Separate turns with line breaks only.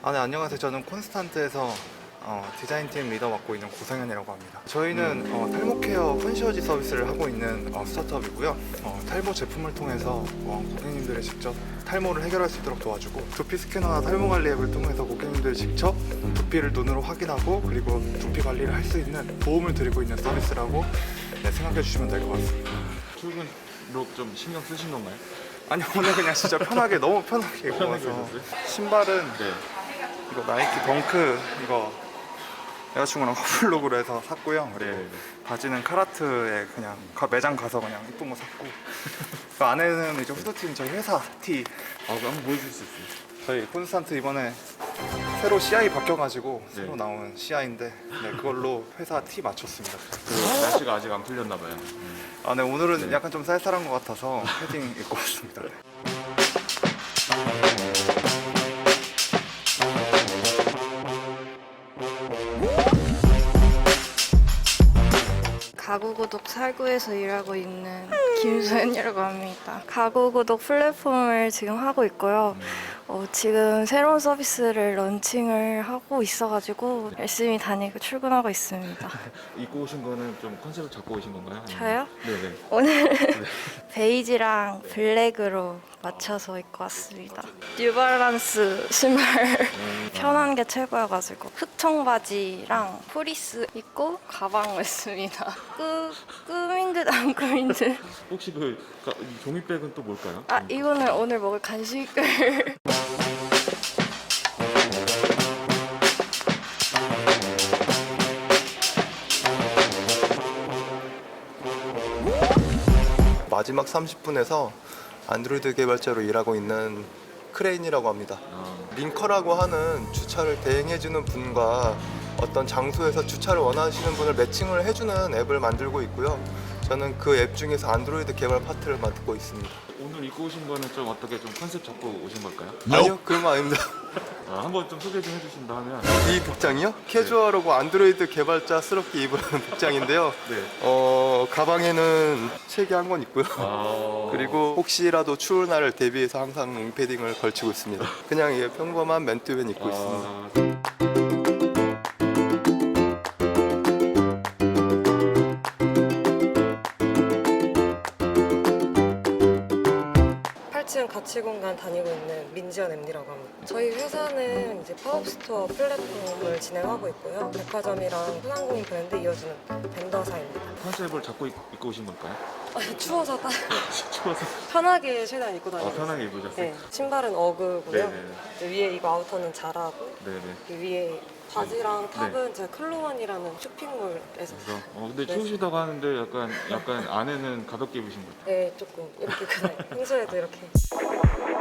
네, 안녕하세요. 저는 콘스탄트에서 디자인팀 리더 맡고 있는 고상현이라고 합니다. 저희는 탈모 케어 콘시어지 서비스를 하고 있는 스타트업이고요. 탈모 제품을 통해서 고객님들이 직접 탈모를 해결할 수 있도록 도와주고, 두피 스캐너나 탈모 관리 앱을 통해서 고객님들이 직접 두피를 눈으로 확인하고 그리고 두피 관리를 할 수 있는 도움을 드리고 있는 서비스라고 생각해 주시면 될 것 같습니다.
출근로 좀 신경 쓰신 건가요?
아니, 오늘 그냥 진짜 편하게, 너무 편하게 입고 와서.
오셨어요?
신발은
네.
이거 나이키 덩크, 이거 여자친구랑 커플룩으로 해서 샀고요. 그리고
네.
바지는 카라트에 그냥 매장 가서 그냥 이쁜 거 샀고, 그 안에는 이제 후드티는 저희 회사 티.
그거 한번 보여줄 수 있어요?
저희 콘스탄트 이번에 새로 CI 바뀌어가지고
네.
새로 나온 CI인데 그걸로 회사 티 맞췄습니다.
날씨가 아직 안 풀렸나 봐요.
네, 오늘은
네.
약간 좀 쌀쌀한 것 같아서 패딩 입고 왔습니다. 네.
가구구독 살구에서 일하고 있는 김소연이라고 합니다. 가구구독 플랫폼을 지금 하고 있고요. 지금 새로운 서비스를 런칭을 하고 있어가지고 열심히 다니고 출근하고 있습니다.
입고 오신 거는 좀 컨셉을 잡고 오신 건가요? 아니면-
저요?
네네.
오늘 베이지랑 블랙으로 맞춰서 입고 왔습니다. 뉴발란스 신발 편한 게 최고여가지고 흑청 바지랑 프리스 입고 가방 냈습니다. 꾸민 듯 안 꾸민 듯.
혹시 이 종이백은 또 뭘까요?
이거는 오늘 먹을 간식을.
마지막 30분에서 안드로이드 개발자로 일하고 있는 크레인이라고 합니다. 링커라고 하는 주차를 대행해주는 분과 어떤 장소에서 주차를 원하시는 분을 매칭을 해주는 앱을 만들고 있고요. 저는 그 앱 중에서 안드로이드 개발 파트를 맡고 있습니다.
오늘 입고 오신 거는 좀 어떻게 좀 컨셉 잡고 오신 걸까요?
아니요, 그런 거 아닙니다.
한번 좀 소개 좀 해주신다 하면.
이 복장이요? 캐주얼하고 안드로이드 개발자스럽게 입은 복장인데요.
네.
가방에는 책이 한 권 있고요.
아...
그리고 혹시라도 추운 날을 대비해서 항상 롱패딩을 걸치고 있습니다. 그냥 평범한 맨투맨 입고 있습니다.
가치공간 다니고 있는 민지연 MD라고 합니다. 저희 회사는 이제 팝업스토어 플랫폼을 진행하고 있고요. 백화점이랑 소상공인 브랜드 이어주는 벤더사입니다.
컨셉을 잡고 입고 오신 걸까요?
추워서
추워서.
편하게 최대한 입고 다니고
편하게 입으셨어요?
네, 신발은 어그고요.
네네.
위에 이거 아우터는 자라고
네네.
그 위에 바지랑 탑은
네.
제가 클로원이라는 쇼핑몰에서
그래서 근데
네.
추우시다고 하는데 약간 안에는 가볍게 입으신 거죠?
네, 조금 이렇게 그냥 평소에도 이렇게